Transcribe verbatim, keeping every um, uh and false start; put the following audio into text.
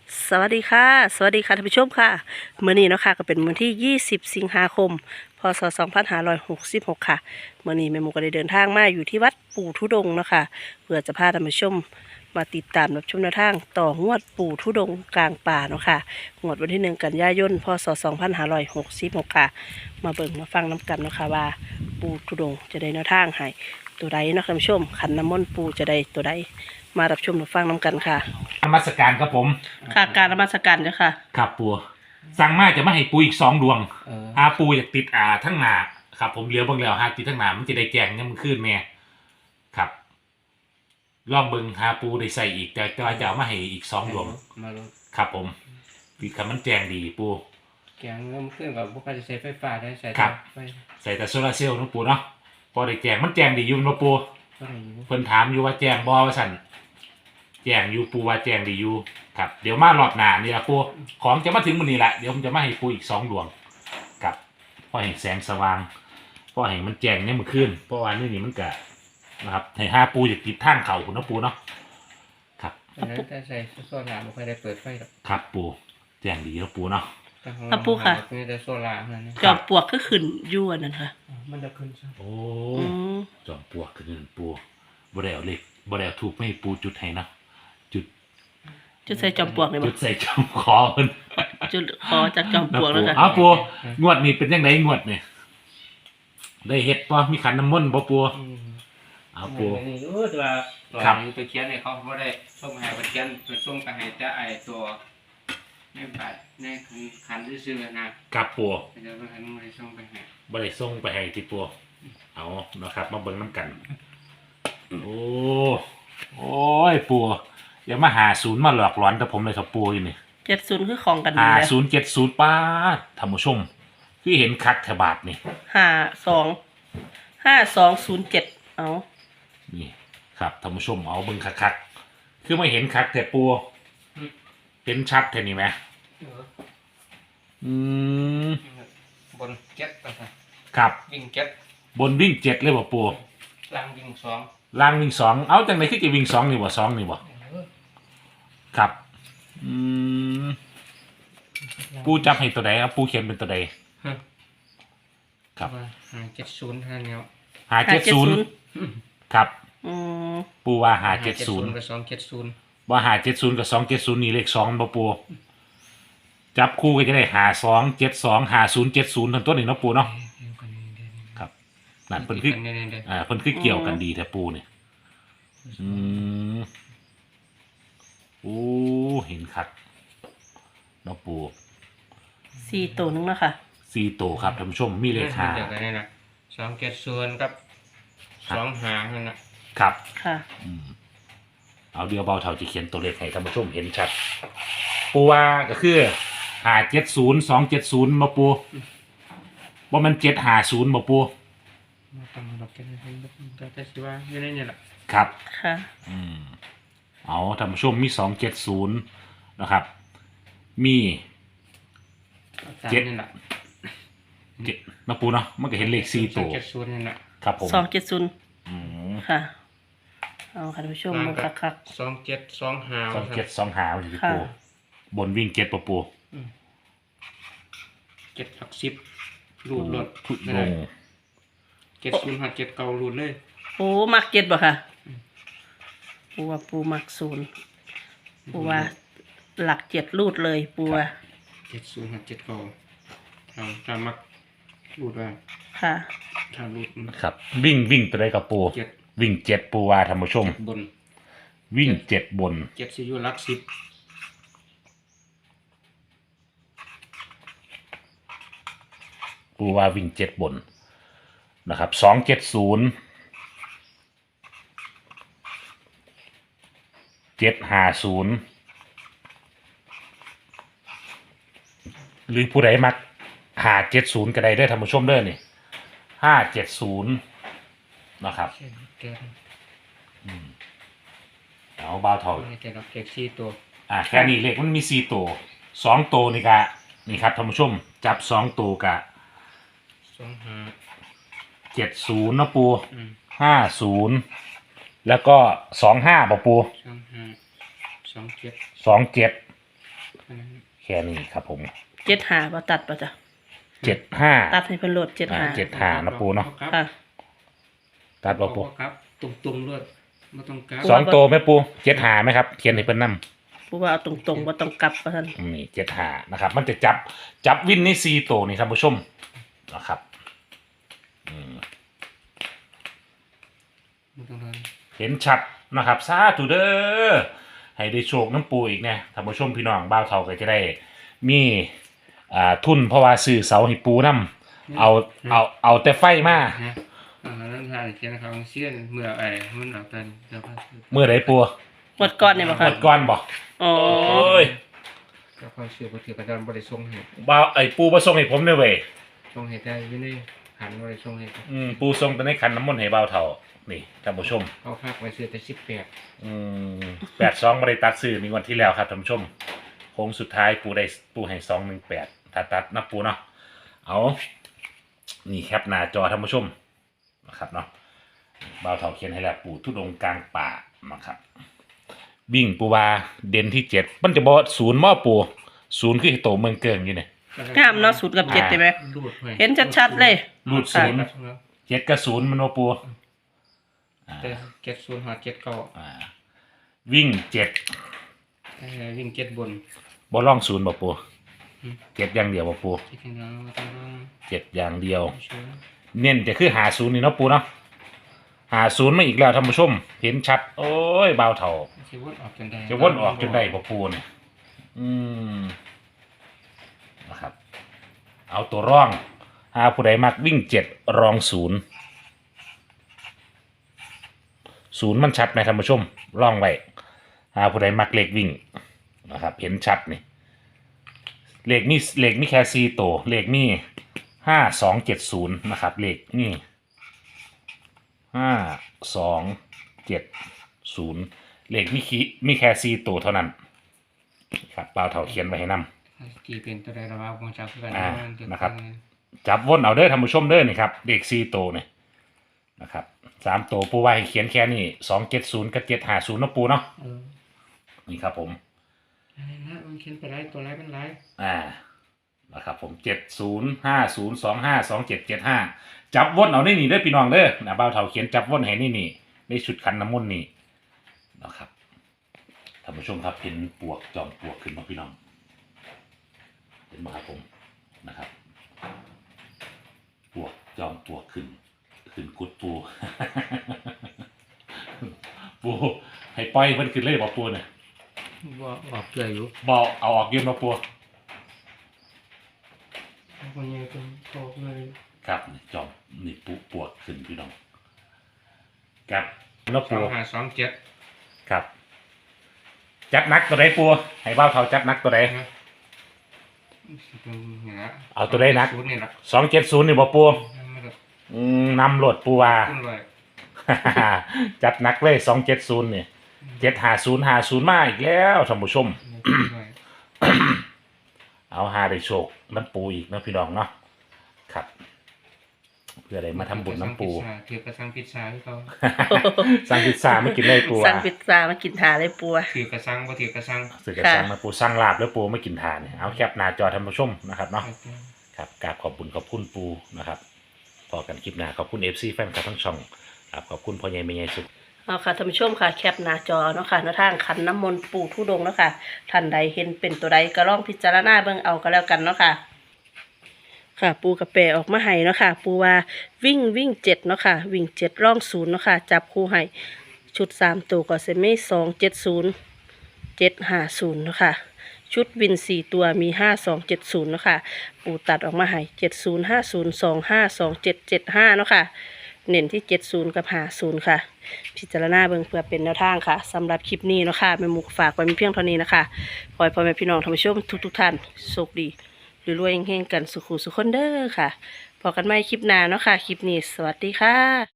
สวัสดีค่ะสวัสดีค่ะท่านผู้ชมค่ะมื้อนี้เนาะค่ะก็เป็นวันที่ยี่สิบสิงหาคมพศสองพันห้าร้อยหกสิบหกค่ะมื้อนี้แม่หมูก็ได้เดินทางมาอยู่ที่วัดปู่ทุดงค์เนาะค่ะเพื่อจะพาท่านผู้ชมมาติดตามรับชมแนวทางต่องวดปู่ทุดงค์กลางป่าเนาะค่ะงวดวันที่หนึ่งกันยายนพศสองพันห้าร้อยหกสิบหกค่ะมาเบิ่งมาฟังน้กันเนาะค่ะว่าปู่ทุดงค์จะได้แนวทางให้ตัวใดเนาะท่านผู้ชมขันน้ำมนต์ปู่จะได้ตัวใดมารับชมรับฟังน้กันค่ะนมัสการครับผมค่ะการนมัสการเจ้าค่ะครับปูสั่งมาจะมาให้ปูอีกสองดวงเออหาปูอยากติดอ่าทั้งหนาครับผมเหลียวเบิ่งแล้วหาติดทั้งหนามันจะได้แจงเนี่ยมันขึ้นแม่ครับลองเบิ่งหาปูได้ใส่อีกแต่ก็จะเอามาให้อีกสองดวงมาลดครับผมติดคำมันแจงดีปูแกงเริ่มขึ้นกับพวกการจะใช้ไฟฟ้าได้ใช้ไฟใส่แต่โซลาร์เซลล์นะปูเนาะพอได้แจงมันแจงดีอยู่นะปูเพิ่นถามอยู่ว่าแจงบ่ว่าสั่นแจงอยู่ปูว่าแจงดีอยู่ครับเดี๋ยวมารอบหน้านี่ละปูของจะมาถึงมื้อนี้แหละเดี๋ยวผมจะมาให้ปูอีกสองดวงครับพอเห็นแสงสว่างพอเห็นมันแจงเนี่ยมันขึ้นเพราะว่านี่นี่มันกะนะครับให้ห้าปูจะติดทางเขาคุณนะปูเนาะครับแต่ใส่โซล่าไม่ค่อยได้เปิดไฟหรอกครับปูแจงดีแล้วปูเนาะครับปูค่ะมีแต่โซล่าเท่านั้นจอมปลวกก็ขึ้นยั่วนั่นค่ะมันจะขึ้นใช่โอ้จอมปลวกขึ้นปูบ่ได้เอาเล็กบ่ได้เอาถูกไม่ปูจุดให้นะจุดจุดใส่จอมปลวกเลยจุดใส่จอมคอเพิ่นจุดคอจากจอมปลวกแล้วค่ะเอาปูงวดนี้เป็นยังไงงวดนี่ได้เฮ็ดป่ะมีขันน้ำมนต์บ่ปูเอาปูนี่รู้ตัวตัวนี้ไปเขียนให้เขาบ่ได้ส่งให้ไปเขียนไปส่งไปให้แต่ไอ้ตัวในบัตรในคันซื่อๆนะครับปูเดี๋ยวคันบ่ได้ส่งไปให้บ่ได้ส่งไปให้ที่ปูเอานะครับมาเบิ่งน้ำกันโอ้โอ้ยปูอย่ามาหาศูนย์มาหลอกหลอนแต่ผมเลยครับปูอยู่นี่เจ็ดศูนย์คือของกันหาศูนย์เจ็ดศูนย์ป้าท่านผู้ชมที่เห็นคักแถบาทนี่ห้าสองห้าสองศูนย์เจ็ดเอานี่ครับท่านผู้ชมเอาเบิ่งคักๆคือไม่เห็นคักแต่ปูเห็นชัดแค่นี้ไหมอืมบนเจ็ดครับวิ่งเจ็ดบนวิ่งเจ็ดเลยบ่ปูล่างวิ่งสองล่างวิ่งสองเอาจังไหนคือจะวิ่งสองนี่บ่สองนี่บ่ครับอืมปูจับให้ตัวใดครับปูเขียนเป็นตัวใดครับหาเจ็ดศูนย์ท่านเนาะหาเจ็ดศูนย์ครับปูว่าหาเจ็ดศูนย์กับสองเจ็ดศูนย์ว่าหาเจ็ดศูนย์กับสองเจ็ดศูนย์นี่เลขสองบ่ปูจับคู่ก็จะได้หาสองเจ็ดสองหาศูนย์เจ็ดศูนย์ทั้งต้นนี่เนาะปูเนาะครับนั่นเพิ่นคืออ่าเพิ่นคือเกี่ยวกันดีแท้ปูเนี่ยอืมโอ้เห็นคัดเนาะปูสี่ตัวนึงแล้วค่ะสี่ตัวครับท่านผู้ชมมีเลขหาเดียวกันนี่นะสองเจ็ดศูนย์กับสองหางนั่นนะครับค่ะอืมเอาเดียวเบาเท่าจะเขียนตัวเลขให้ท่านผู้ชมเห็นชัดปูว่าก็คือหาเจ็ดศูนย์สองเจ็ดศูนย์มาปูว่ามันเจ็ดหาศูนย์มาปูตั้งดอกแค่นี้แต่แต่สิว่าอยู่ในนี่แหละครับค่ะอืมเอาท่านผู้ชมมีสองเจ็ดศูนย์นะครับมีเจ็ดนี่แหละเจ็ดนะปูเนาะมันก็เห็นเลขสี่ตัวเจ็ดศูนย์นี่แหละครับผมสองเจ็ดศูนย์อืมค่ะเอาค่ะท่านผู้ชมมาคักๆสองเจ็ดสองหาสองเจ็ดสองหาอยู่ที่ปูบนวิ่งเจ็ดปะปูเจ็ดหลักสิบรูดรถทุกลงเจ็ดศูนย์หักเจ็ดเก่ารูดเลยโอ้มักเจ็ดบ่ค่ะปูว่าปูมักศูนย์ปูว่าหลักเจ็ดรูดเลยปูว่าเจ็ดศูนย์หักเจ็ดเก่าเอาถ้ามักรูดว่าค่ะถ้ารูดครับวิ่งวิ่งไปเลยกับปูวิ่งเจ็ดปูว่าท่านผู้ชมบนวิ่งเจ็ดบนเจ็ดสิอยู่หลักสิบปูว่าวิ่งเจ็ดบนนะครับสองเจ็ดศูนย์เจ็ดห้าศูนย์หรือผู้ใดมักหาเจ็ดศูนย์ก็ได้ได้ท่านผู้ชมเด้อนี่ห้าเจ็ดศูนย์นะครับเอาเบาเท่าแต่เราเลขสี่ตัวอ่าแค่นี้เลขมันมีสี่ตัวสองตัวนี่กะนี่ครับท่านผู้ชมจับสองตัวกะสองห้าเจ็ดศูนย์นะปูห้าศูนย์แล้วก็สองห้าป่ะปูสองห้าสองเจ็ดสองเจ็ดอันนั้นแค่นี้ครับผมเจ็ดหาบ่ตัดป่ะจ้ะเจ็ดห้าตัดให้เพิ่นโหลดเจ็ดหาเจ็ดหานะปูเนาะค่ะตัดบ่ปูครับตรงๆด้วยไม่ต้องกลับสองตัวไหมปูเจ็ดหาไหมครับเขียนให้เพิ่นนำปูว่าเอาตรงๆบ่ต้องกลับว่าซั่นนี่เจ็ดหานะครับ มันจะจับจับวินในสี่ตัวนี่ท่านผู้ชมนะครับอืมไม่ต้องเลยเห็นชัดนะครับสาธุเด้อให้ได้โชคน้ำปูอีกเนี่ยท่านผู้ชมพี่น้องบ้าวเท่าก็จะได้มีอ่าทุนเพราะว่าซื้อเสาให้ปูน้ำเอาเอาเอาแต่ไฟมาฮะอ่าแล้วทานเขียนเขาเสี้ยนเมื่อไอ้มันเอาเป็นเดี๋ยวพักเมื่อไรปูหมดก่อนเนี่ยบ่หค่ะมดก้อนบ่อ๋อโอ้ยก็ค่อยเชื่อบ่ถือกระดานบ่ได้ส่งให้บ้าวไอ้ปูมาส่งให้ผมเนี่ยเว้ยส่งให้ได้อยู่ในหันบ่ได้ส่งให้อืมปูส่งแต่ในขันน้ำมนต์ให้บ้าวเท่านี่ท่านผู้ชมเขาพักไว้ซื้อแต่สิบแปดอืมแปดสองบริตัดซื้อมีวันที่แล้วครับท่านผู้ชมโค้งสุดท้ายปูได้ปูให้สองหนึ่งแปดถ้าตัดนับปูเนาะเอานี่แคปหน้าจอท่านผู้ชมนะครับเนาะบ่าวเถาเขียนให้แล้วปูทุดงค์กลางป่านะครับวิ่งปูวาเด่นที่เจ็ดมันจะบอกศูนย์หม้อปูศูนย์คือโตเมืองเกิงอยู่เนี่ยงามเนาะศูนย์กับเจ็ดใช่ไหมรูดไว้เห็นชัดๆเลยรูดศูนย์เจ็ดกับศูนย์มันโอปูอ่าแต่เจ็ดศูนย์หาเจ็ดเก้าอ่าวิ่งเจ็ดเอ่อวิ่งเจ็ดบนบอล่องศูนย์บ่ปูอืมเจ็ดอย่างเดียวบ่ปูเจ็ดที่น้องต้องต้องเจ็ดอย่างเดียวเชื่อเน้นจะคือหาศูนย์นี่เนาะปูเนาะหาศูนย์มาอีกแล้วท่านผู้ชม เห็นชัด โอ้ยเบาเท่าจะวนออกจนได้จะวนออกจนได้บ่ปูเนี่ยอืมนะครับ เอาตัวร่องหาผู้ใดมักวิ่งเจ็ดรองศูนย์ศูนย์มันชัดไหมท่านผู้ชมร่องไว้หาผู้ใดมักเลขวิ่งนะครับ เห็นชัดนี่เลขนี่เลขนี่แค่สี่ตัวเลขนี่ห้าสองเจ็ดศูนย์นะครับ เลขนี่ห้าสองเจ็ดศูนย์เลขมีคีมีแค่สี่ตัวเท่านั้นครับเปล่าเท่าเขียนไว้ให้นำกี่เป็นตัวใดระบาดของจากกันอ่านะครับ จับวนเอาเด้อท่านผู้ชมเด้อนี่ครับเลขสี่ตัวนี่นะครับสามตัวปูไว้ให้เขียนแค่นี้สองเจ็ดศูนย์กับเจ็ดห้าศูนย์นะปูเนาะเออนี่ครับผมอะไรนะมันเขียนไปไรตัวไรเป็นไรอ่านะครับผมเจ็ดศูนย์ห้าศูนย์สองห้าสองเจ็ดเจ็ดห้าจับวนเอาได้นี่เด้อพี่น้องเด้อนะเบาเท่าเขียนจับวนให้นี่นี่ในชุดคันน้ำมนต์นี่นะครับท่านผู้ชมครับเห็นปวกจอมปวกขึ้นมาพี่น้องเห็นไหมครับผมนะครับปวกจอมปวกขึ้นขึ้นกุดปู ปูให้ปล่อยเพิ่นขึ้นเลยบอกปูเนี่ยว่าออกเกลืออยู่บอกเอาออกยืนมาปูคนยังเป็นโตเลยครับนี่จอมนี่ปูปวดขึ้นพี่น้องครับแล้วสอปูงห้าสองเจ็ดครับ จัดนักตัวใดปูให้บ้าวเท่าจัดนักตัวใดนะนี่นะเอาตัวใดนักศูนย์นี่นะสองเจ็ดศูนย์นี่บอกปูไม่ได้อืมนำโหลดปูว่าขึ้นเลยจัดนักเลยสองเจ็ดศูนย์นี่เจ็ดหาศูนย์หาศูนย์มาอีกแล้วท่านผู้ชม เอาหาได้โชคน้ำปูอีกนะพี่น้องเนาะครับ เพื่ออะไรมาทำบุญน้ำปูถือกระสังพิซซ่าที่เขาสั่งพิซซ่าไม่กินเลยปูสั่งอ่ะพิซซ่ามากินทาเลยปูอะถือกระสังบ่ถือกระสังสื่อกระซังมาปูสั่งลาบแล้วปูไม่กินทานเนี่ยเอาแคปหน้าจอท่านผู้ชมนะครับเนาะครับกราบขอบคุณขอบคุณปูนะครับพอกันคลิปหน้าขอบคุณเอฟซีแฟนคลับทั้งช่องครับขอบคุณพ่อใหญ่แม่ใหญ่สุดเอาค่ะท่านผู้ชมค่ะแคปหน้าจอเนาะค่ะหน้าทางขันน้ำมนต์ปู่ทุดงค์เนาะค่ะท่านใดเห็นเป็นตัวใดก็ลองพิจารณาเบิ่งเอาก็แล้วกันเนาะค่ะ ค่ะ ปูกระเปออกมาให้เนาะค่ะ ปูว่าวิ่งวิ่งเจ็ดเนาะค่ะ วิ่งเจ็ดร่องศูนย์เนาะค่ะ จับคู่ให้ชุดสามตัวก็เซม่สองเจ็ดศูนย์เจ็ดห้าศูนย์เนาะค่ะ ชุดวินสี่ตัวมีห้าสองเจ็ดศูนย์เนาะค่ะ ปูตัดออกมาให้เจ็ดศูนย์ห้าศูนย์สองห้าสองเจ็ดเจ็ดห้าเนาะค่ะ เน้นที่เจ็ดศูนย์กับห้าศูนย์ค่ะ พิจารณาเบิ่งเพื่อเป็นแนวทางค่ะสำหรับคลิปนี้เนาะค่ะแม่หมูฝากไว้มีเพียงเท่านี้นะคะขอให้พ่อแม่พี่น้องท่านผู้ชมทุกๆท่านโชคดีรวยๆเฮงๆกันสุขุสุขคนเด้อค่ะพบกันใหม่คลิปหน้าเนาะค่ะคลิปนี้สวัสดีค่ะ